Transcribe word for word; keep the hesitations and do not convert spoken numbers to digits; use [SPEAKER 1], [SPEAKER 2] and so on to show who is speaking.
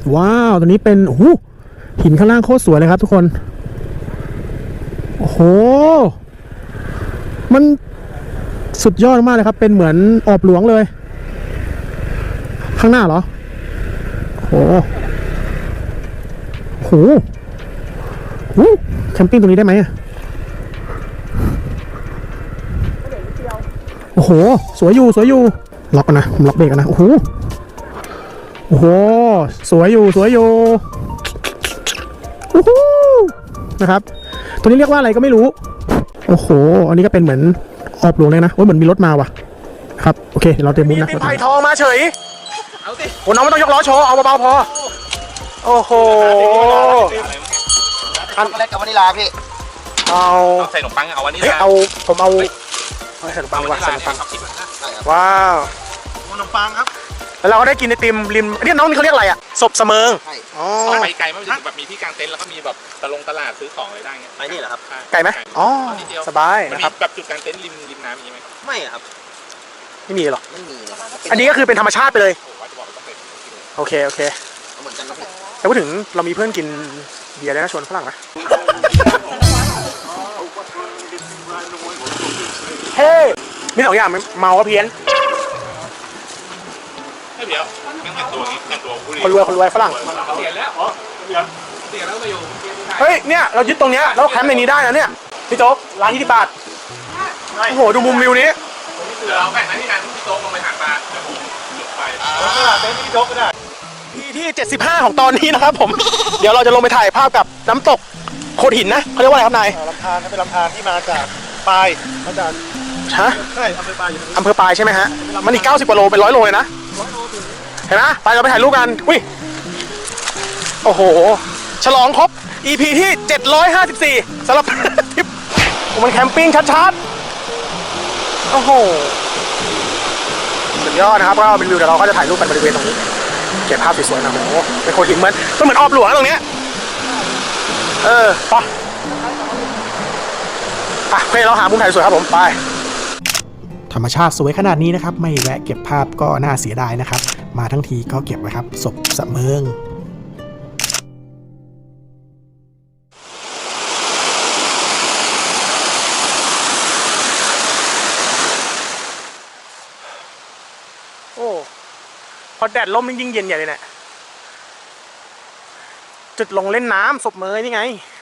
[SPEAKER 1] ว้าวตัวนี้เป็นโอ้โหหินข้างล่างโคตรสวยเลยครับทุกคนโอ้โหมันสุดยอดมากเลยครับเป็นเหมือนออบหลวงเลยข้างหน้าเหรอโอ้โหโอ้โหแคมปิ้งตรงนี้ได้ไหมโอ้โหสวยอยู่สวยอยู่ล็อกกันนะผมล็อกเบรกกันนะโอ้โหโอ้โหสวยอยู่สวยอยู่โอ้โหนะครับตัวนี้เรียกว่าอะไรก็ไม่รู้โอ้โหอันนี้ก็เป็นเหมือนออบหลวงเลยนะโอ้ยเหมือนมีรถมาว่ะครับโอเคเราเตรียมมุ้งนะไผ่ทองมาเฉยเอาสิโอ้น้องไม่ต้องยกล้อโชว์เอาเบาๆพอโอ้โห
[SPEAKER 2] อันเล็กกับวานิลาพี่
[SPEAKER 1] เอา
[SPEAKER 3] ใส่ขนมปังเอาวานิลา
[SPEAKER 1] เอาผมเอาใส่ขนมปังว่ะใส่ขนมปังว้าว
[SPEAKER 2] ขนมปังครับ
[SPEAKER 1] แล้วเราก็ได้กินไอติมริมนี่น้องนี่เขาเรียกอะไรอ่ะศพเสมิง
[SPEAKER 3] อ๋อไปไกลไม่ถึงแบบมีที่กางเต็นท์แล้วก็มีแบบตะลงตลาดซื้อของอะไรได้เงี้ย
[SPEAKER 2] ไอ้นี่เหรอครับ
[SPEAKER 1] ไกลไหมอ๋อสบาย
[SPEAKER 3] นะครับแบบจุดกางเต็นท์ริมริมน้ำมีไหม
[SPEAKER 2] ไม่ครับ
[SPEAKER 1] ไม่มีหรอ
[SPEAKER 2] ไม่มี
[SPEAKER 1] อันนี้ก็คือเป็นธรรมชาติไปเลยโอเคโอเค
[SPEAKER 2] เหมือนกันนะ
[SPEAKER 1] แต่พูดถึงเรามีเพื่อนกินเบียร์ได้นะชวนฝรั่งนะเฮ้มีสองอย่างเมาก็เพี้ยน
[SPEAKER 3] เดี๋ยวงั้นตัวนี้งั้นตัว
[SPEAKER 1] คนรวยคนรวยฝรั่ง
[SPEAKER 3] เสียแล้วอ๋อเสียเสียแล้วไปอยู่
[SPEAKER 1] เฮ้ยเนี่ยเรายึดตรงเนี้ยแล้วแคมป์ในนี้ได้นะเนี่ยพี่โจ๊กร้านยี่สิบบาทโอ้โหดูมุมวิวนี้
[SPEAKER 3] เดี๋ยวเราแบ่งหน้าที่การพี่โจ๊กลงไปหาปลาเดี๋ยวผมหยุดไป
[SPEAKER 2] เต้นพี่โจ๊กก็ได้
[SPEAKER 1] ที่ที่เจ็ดสิบห้าของตอนนี้นะครับผมเดี๋ยวเราจะลงไปถ่ายภาพกับน้ำตกโขดหินนะเขาเรียกว่าอะไรครับนาย
[SPEAKER 2] ลำธารเป็นลำธารที่มาจากปลายมาจาก
[SPEAKER 1] ฮะ
[SPEAKER 2] ใช่อำเภอปลาย
[SPEAKER 1] อำเภอปลายใช่ไหมฮะมันอีกเก้าสิบกว่าโลเป็นร้อยโลเลยนะเห็นไหมไปเราไปถ่ายรูปกันอุ้ยโอ้โหฉลองครบ อี พี ที่เจ็ดร้อยห้าสิบสี่สำหรับทริปมันแคมปิ้งชัดๆโอ้โหสุดยอดนะครับก็เป็นวิวเดี๋ยวเราก็จะถ่ายรูปกันบริเวณตรงนี้เก็บภาพสวยๆนะโอ้โหเป็นโขดหินเหมือนก็เหมือนออบหลวงตรงเนี้ยเออไปไปโอเคเราหามุมถ่ายสวยครับผมไปธรรมชาติสวยขนาดนี้นะครับไม่แวะเก็บภาพก็น่าเสียดายนะครับมาทั้งทีก็เก็บไว้ครับศพเสมิงโอ้พอแดดร่มยิ่งเย็นใหญ่เลยเนี่ยจุดลงเล่นน้ำศพเมยนี่ไง